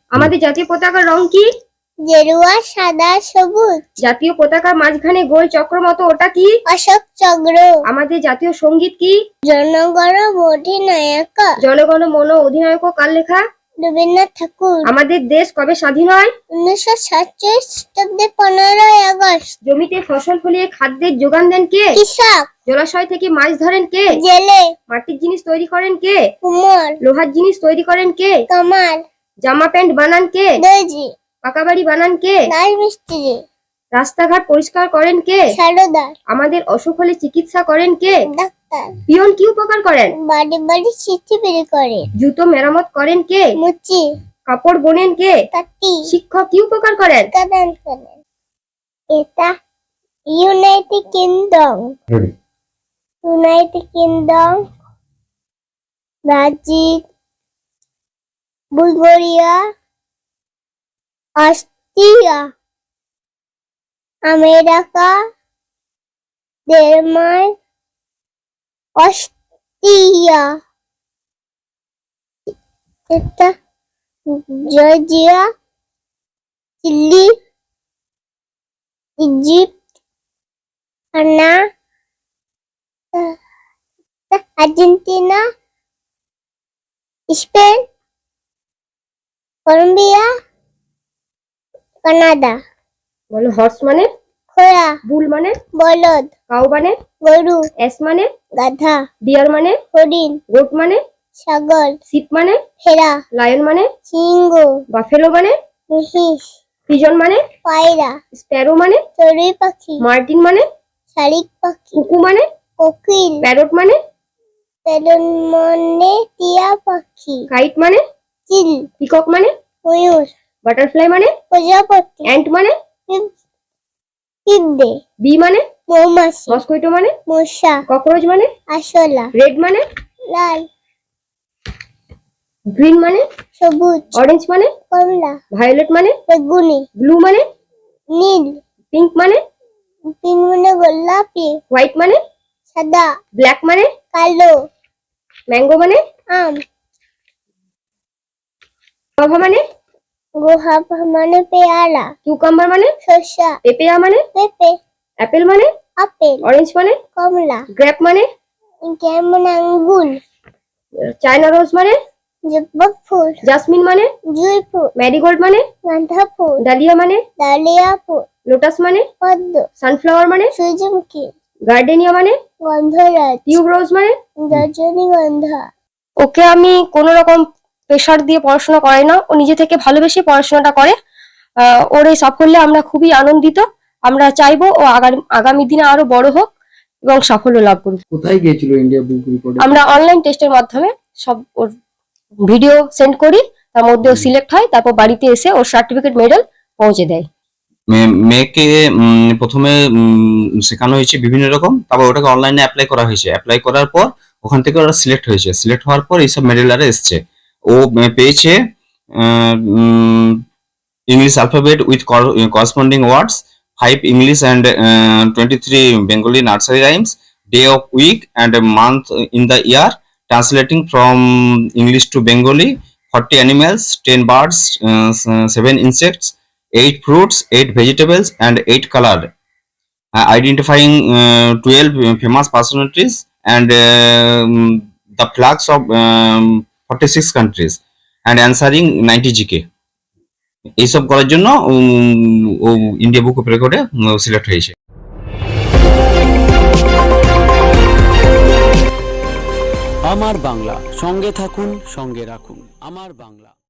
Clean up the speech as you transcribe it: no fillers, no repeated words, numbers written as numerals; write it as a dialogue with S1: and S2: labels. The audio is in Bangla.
S1: আমাদের জাতীয় পতাকার রং কি?
S2: গেরুয়া, সাদা, সবুজ।
S1: জাতীয় পতাকার মাঝখানে গোল চক্র মতো ওটা কি?
S2: অশোক চক্র।
S1: আমাদের জাতীয় সঙ্গীত কি?
S2: জনগণ অধিনায়ক।
S1: জনগণ মন অধিনায়ক কার লেখা?
S2: রবীন্দ্রনাথ ঠাকুর।
S1: আমাদের দেশ কবে স্বাধীন হয়?
S2: 1947 খ্রিস্টাব্দে 15ই আগস্ট।
S1: জমিতে ফসল ফলিয়ে খাদ্যের যোগান দেন কে?
S2: কৃষক।
S1: জলাশয় থেকে মাছ ধরেন কে?
S2: জেলে।
S1: মাটির জিনিস তৈরি করেন কে?
S2: কুমোর।
S1: লোহার জিনিস তৈরি করেন কে?
S2: কামার।
S1: জামা প্যান্ট বানান কে?
S2: দর্জি।
S1: পাকা বাড়ি বানান কে?
S2: রাজমিস্ত্রি।
S1: রাস্তাঘাট পরিষ্কার করেন কে?
S2: সারদার।
S1: আমাদের অসুখ হলে চিকিৎসা করেন কে?
S2: ডাক্তার।
S1: পিয়ন কি উপকার করেন?
S2: বাড়ি বাড়ি চিঠি বের করে।
S1: জুতো মেরামত করেন কে?
S2: মুচি।
S1: কাপড় বোনেন কে?
S2: তাঁতি।
S1: শিক্ষক কি উপকার করেন?
S2: কাদান করেন। এটা United Kingdom. United Kingdom, Brazil, Bulgaria, Austria, America, Denmark, Austria, এটা Georgia, Chile, Egypt, Ghana, Argentina, Spain, Colombia, Canada.
S1: বলো। হর্স মানে?
S2: ঘোড়া।
S1: বুল মানে?
S2: বলদ।
S1: কাউ মানে?
S2: গরু।
S1: এস মানে?
S2: গাধা।
S1: ডিয়ার মানে?
S2: হরিণ।
S1: গোট মানে?
S2: ছাগল।
S1: শিপ মানে?
S2: ভেড়া।
S1: লায়ন মানে?
S2: সিংহ।
S1: বাফেলো মানে?
S2: মহিষ।
S1: পিজন মানে?
S2: পায়রা।
S1: স্প্যারো মানে?
S2: চড়ুই পাখি।
S1: মার্টিন মানে?
S2: শালিক পাখি।
S1: কুকু মানে?
S2: কোকিল।
S1: প্যারট মানে?
S2: বেলুন মানে টিয়া পাখি।
S1: কাইট মানে?
S2: চিল।
S1: পিকক মানে?
S2: ময়ূর।
S1: বাটারফ্লাই মানে?
S2: প্রজাপতি।
S1: অ্যান্ট মানে?
S2: পিঁপড়ে।
S1: বি মানে?
S2: মৌমাছি।
S1: মস্কুইটো মানে?
S2: মশা।
S1: ককরোচ মানে?
S2: আরশোলা।
S1: রেড মানে?
S2: লাল।
S1: গ্রিন মানে?
S2: সবুজ।
S1: অরেঞ্জ মানে?
S2: কমলা।
S1: ভায়োলেট মানে?
S2: বেগুনি।
S1: ব্লু মানে?
S2: নীল।
S1: পিঙ্ক মানে?
S2: পিঙ্ক মানে গোলাপি।
S1: হোয়াইট মানে?
S2: সাদা।
S1: ব্ল্যাক মানে?
S2: কালো।
S1: ম্যাঙ্গো মানে?
S2: আম।
S1: গুয়াভা মানে?
S2: গুয়াভা মানে পেয়ারা।
S1: কিউকাম্বার মানে?
S2: শসা।
S1: পেপেয়া মানে?
S2: পেঁপে।
S1: অ্যাপেল মানে?
S2: আপেল।
S1: অরেঞ্জ মানে?
S2: কমলা।
S1: গ্রেপ মানে?
S2: গ্রেপ মানে আঙ্গুর।
S1: চায়না রোজ মানে?
S2: জবা ফুল।
S1: জাসমিন মানে?
S2: জুঁই ফুল।
S1: ম্যারিগোল্ড মানে?
S2: গাঁদা ফুল।
S1: ডালিয়া মানে?
S2: ডালিয়া ফুল।
S1: লোটাস মানে?
S2: পদ্ম।
S1: সানফ্লাওয়ার মানে?
S2: সূর্যমুখী।
S1: গার্ডেনিয়া মানে?
S2: গন্ধরাজ।
S1: টিউব রোজ মানে?
S2: রজনীগন্ধা।
S1: ওকে আমি কোনো রকম প্রেশার দিয়ে পড়াশোনা করাই না, ও নিজে থেকে ভালোবেসে পড়াশোনাটা করে। ওর এই সাফল্যে আমরা খুবই আনন্দিত। আমরা চাইবো ও আগামী দিনে আরো বড় হোক এবং সাফল্য লাভ করুক।
S3: কোথায় গিয়েছিল ইন্ডিয়া বুক রিপোর্টে?
S1: আমরা অনলাইন টেস্টের মাধ্যমে সব ওর ভিডিও সেন্ড করি, তার মধ্যে ও সিলেক্ট হয়, তারপর বাড়িতে এসে ওর সার্টিফিকেট মেডেল পৌঁছে দেয়।
S4: মেয়েকে প্রথমে শেখানো হয়েছে বিভিন্ন রকম, তারপর ওটাকে অনলাইনে অ্যাপ্লাই করা হয়েছে। অ্যাপ্লাই করার পর ওখান থেকে ওরা সিলেক্ট হয়েছে। সিলেক্ট হওয়ার পর এইসব মেডেল আরে এসছে। ও পেয়েছে English alphabet with corresponding words, 5 English and 23 Bengali nursery rhymes, day of week and month in the year, translating from English to Bengali, 40 animals, 10 birds, 7 insects, 8 fruits, 8 vegetables, and 8 color, identifying 12 famous personalities and the flags of 46 countries, and answering 90 GK. এইসব করার জন্য ও ইন্ডিয়া বুক অফ রেকর্ডে সিলেক্ট হয়েছে।
S5: আমার বাংলা, সঙ্গে থাকুন, সঙ্গে রাখুন। আমার বাংলা।